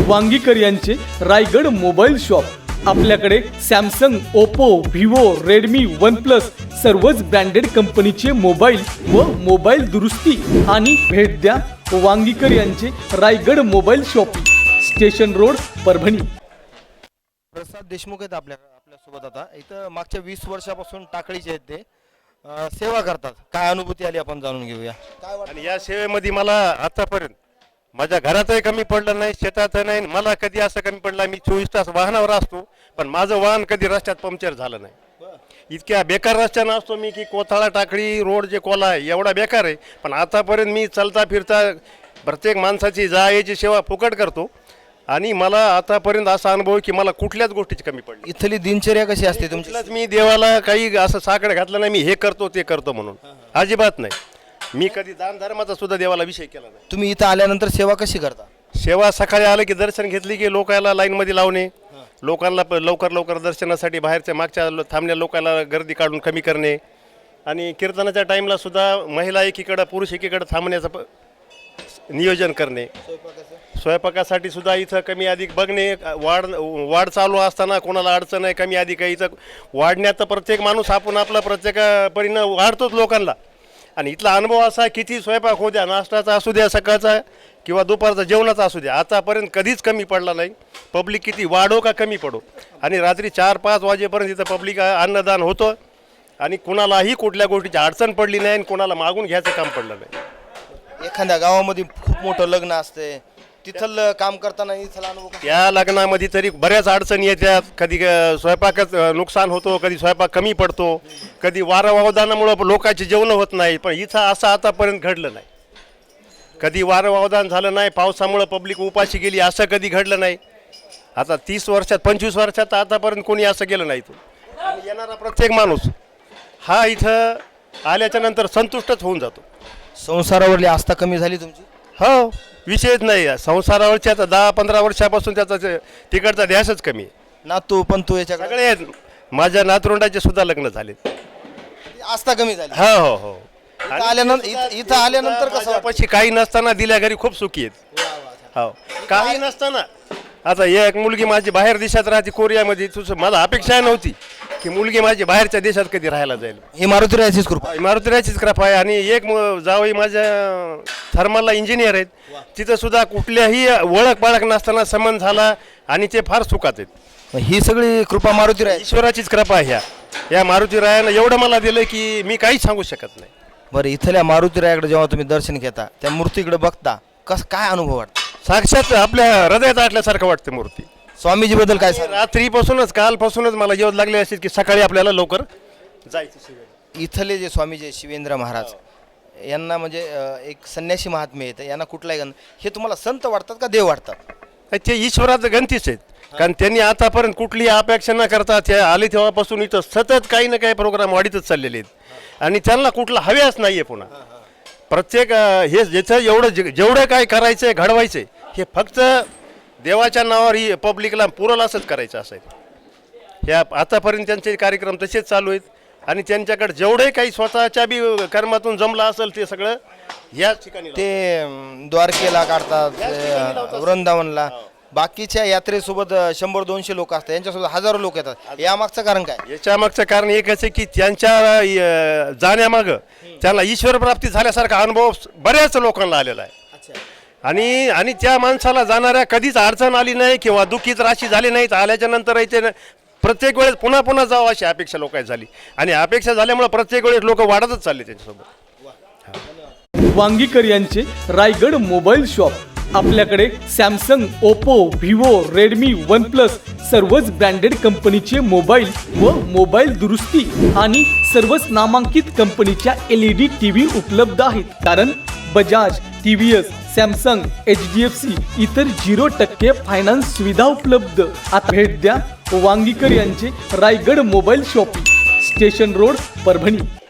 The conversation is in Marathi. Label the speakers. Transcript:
Speaker 1: वांगीकर यांचे रायगड मोबाईल शॉप। आपल्याकडे Samsung, Oppo, Vivo, Redmi, OnePlus सर्वच ब्रँडेड कंपनीचे मोबाईल व मोबाईल दुरुस्ती आणि भेट द्या वांगीकर यांचे Raigad mobile shopping, station road, Parbhani.
Speaker 2: Prasad Deshmukh आहेत आपल्यासोबत आता। इथं मागच्या 20 वर्षापासून टाकळीचे आहेत ते सेवा करतात। काय अनुभूती आली आपण जाणून घेऊया।
Speaker 3: आणि या सेवेमध्ये मला आतापर्यंत माझ्या घरातही कमी पडलं नाही, शेतातही नाही, मला कधी असं कमी पडलं मी 24 तास वाहनावर असतो पण माझं वाहन कधी रस्त्यात पंक्चर झालं नाही। इतक्या बेकार रस्त्यानं असतो मी की कोथाळा टाकळी रोड जे कोला आहे एवढा बेकार आहे, पण आतापर्यंत मी चलता फिरता प्रत्येक माणसाची याची सेवा फुकट करतो आणि मला आतापर्यंत असा अनुभव की मला कुठल्याच गोष्टीची कमी पडली।
Speaker 2: इथली दिनचर्या कशी असते तुमची?
Speaker 3: मी देवाला काही असं साकडं घातलं नाही, मी हे करतो ते करतो म्हणून अजिबात नाही। मी कधी दान धर्माचा सुद्धा देवाला विषय केला नाही।
Speaker 2: तुम्ही इथं आल्यानंतर सेवा कशी करता?
Speaker 3: सेवा सकाळी आलं की दर्शन घेतली की लोकांना लाईनमध्ये लावणे, लोकांना लवकर दर्शनासाठी बाहेरच्या मागच्या थांबण्या लोकांना गर्दी काढून कमी करणे आणि कीर्तनाच्या टाईमला सुद्धा महिला एकीकडं पुरुष एकीकडं थांबण्याचं नियोजन करणे। स्वयंपाकासाठी सुद्धा इथं कमी अधिक बघणे, वाढ चालू असताना कोणाला अडचण आहे कमी अधिक आहे, इथं वाढण्यात तर प्रत्येक माणूस आपण आपला प्रत्येक परीनं वाढतोच लोकांना। आणि इथला अनुभव असा किती स्वयंपाक होऊ द्या, नाश्त्याचा असू द्या, सकाळचा किंवा दुपारचा जेवणाचा असू द्या, आतापर्यंत कधीच कमी पडला नाही। पब्लिक किती वाढो का कमी पडो आणि रात्री 4-5 वाजेपर्यंत इथं पब्लिक अन्नदान होतं आणि कुणालाही कुठल्या गोष्टीची अडचण पडली नाही आणि कुणाला मागून घ्यायचं काम पडलं नाही।
Speaker 2: एखाद्या गावामध्ये खूप मोठं लग्न असते, तिथलं काम करताना इथला अनुभव
Speaker 3: त्या लग्नामध्ये तरी बऱ्याच अडचणी येतात, कधी स्वयंपाकच नुकसान होतो, कधी स्वयंपाक कमी पडतो, कधी वारंवावदानामुळं लोकांची जेवणं होत नाही, पण इथं असं आतापर्यंत घडलं नाही। कधी वारंवावदान झालं नाही, पावसामुळं पब्लिक उपाशी गेली असं कधी घडलं नाही। आता 30 वर्षात 25 वर्षात आतापर्यंत कोणी असं गेलं नाही। आणि येणारा प्रत्येक माणूस हा इथं आल्याच्या नंतर संतुष्टच होऊन जातो।
Speaker 2: संसारावरली आस्था कमी झाली तुमची?
Speaker 3: हो, विषयच नाही। संसारावरच्या 10-15 वर्षापासून त्याचा तिकडचा ध्यासच कमी आहे।
Speaker 2: नातू पण तू याच्याकडे
Speaker 3: सगळे माझ्या नातरुंडाचे सुद्धा लग्न झाले,
Speaker 2: आस्था कमी झाली।
Speaker 3: हो हो।
Speaker 2: इथं आल्यानंतर कसं
Speaker 3: पशी काही नसताना दिल्या घरी खूप सुखी आहेत। हो, काही नसताना आता एक मुलगी माझी बाहेर देशात राहते कोरियामध्ये, तुझं मला अपेक्षा नव्हती की मुलगी माझी बाहेरच्या देशात कधी राहायला जाईल।
Speaker 2: ही मारुतीरायाचीच कृपा,
Speaker 3: मारुतीरायाचीच कृपा आहे। आणि एक जावई माझ्या थर्मलला इंजिनियर आहेत, तिथं सुद्धा कुठल्याही ओळख पाळख नसताना संबंध झाला आणि ते फार सुखात आहेत।
Speaker 2: ही सगळी कृपा मारुतीराय,
Speaker 3: ईश्वराचीच कृपा आहे। या मारुतीरायानं एवढं मला दिलं की मी काहीच सांगू शकत नाही।
Speaker 2: बरं, इथल्या मारुतीरायाकडे जेव्हा तुम्ही दर्शन घेता, त्या मूर्तीकडे बघता, काय अनुभव वाटतो?
Speaker 3: साक्षात आपल्या हृदयात आटल्यासारखं वाटतं मूर्ती।
Speaker 2: स्वामीजी बद्दल काय सांग?
Speaker 3: रात्रीपासूनच कालपासूनच मला जेवण लागले असेल की सकाळी आपल्याला लवकर जायचं।
Speaker 2: इथले जे स्वामीजी शिवेंद्र महाराज यांना म्हणजे एक संन्यासी महात्मे आहेत, यांना कुठलाही हे तुम्हाला संत वाटतात का देव वाटतात?
Speaker 3: ते ईश्वराचं गणतीच आहेत, कारण त्यांनी आतापर्यंत कुठली अपेक्षा न करता ते आले तेव्हापासून इथं सतत काही ना काही प्रोग्राम वाढीतच चाललेले आहेत आणि त्यांना कुठला हव्यास नाही आहे। पुन्हा प्रत्येक हे ज्याचं जेवढं काय करायचं आहे घडवायचं आहे हे फक्त देवाच्या नावावर ही पब्लिकला पुरल असंच करायचं असं आहे। ह्या आतापर्यंत त्यांचे कार्यक्रम तसेच चालू आहेत आणि त्यांच्याकडे जेवढे काही स्वतःच्या बी कर्मातून जमलं असेल ते सगळं ह्याच ठिकाणी
Speaker 2: ते द्वारकेला काढतात, वृंदावनला। बाकीच्या यात्रेसोबत 100-200 लोक असतात, यांच्यासोबत हजारो लोक येतात। यामागचं कारण काय?
Speaker 3: याच्या मागचं कारण एकच आहे की त्यांच्या जाण्यामागं त्यांना ईश्वर प्राप्ती झाल्यासारखा अनुभव बऱ्याच लोकांना आलेला आहे आणि त्या माणसाला जाणाऱ्या कधीच अडचण आली नाही किंवा दुःखीच राशी झाली नाही। आल्याच्या नंतर प्रत्येक वेळेस पुन्हा पुन्हा जावं अशी अपेक्षा लोकांची झाली आणि अपेक्षा झाल्यामुळे प्रत्येक वेळेस लोक वाढतच चालले त्यांच्यासोबत।
Speaker 1: वांगीकर यांचे रायगड मोबाईल शॉप। आपल्याकडे Samsung, Oppo, Vivo, Redmi, OnePlus सर्वच ब्रँडेड कंपनीचे मोबाईल व मोबाईल दुरुस्ती आणि सर्वच नामांकित कंपनीच्या LED TV उपलब्ध आहेत। कारण बजाज, TVS, सॅमसंग, HDFC इतर 0% फायनान्स सुविधा उपलब्ध। आता भेट द्या वांगीकर यांचे Raigad mobile shopping, station road, Parbhani.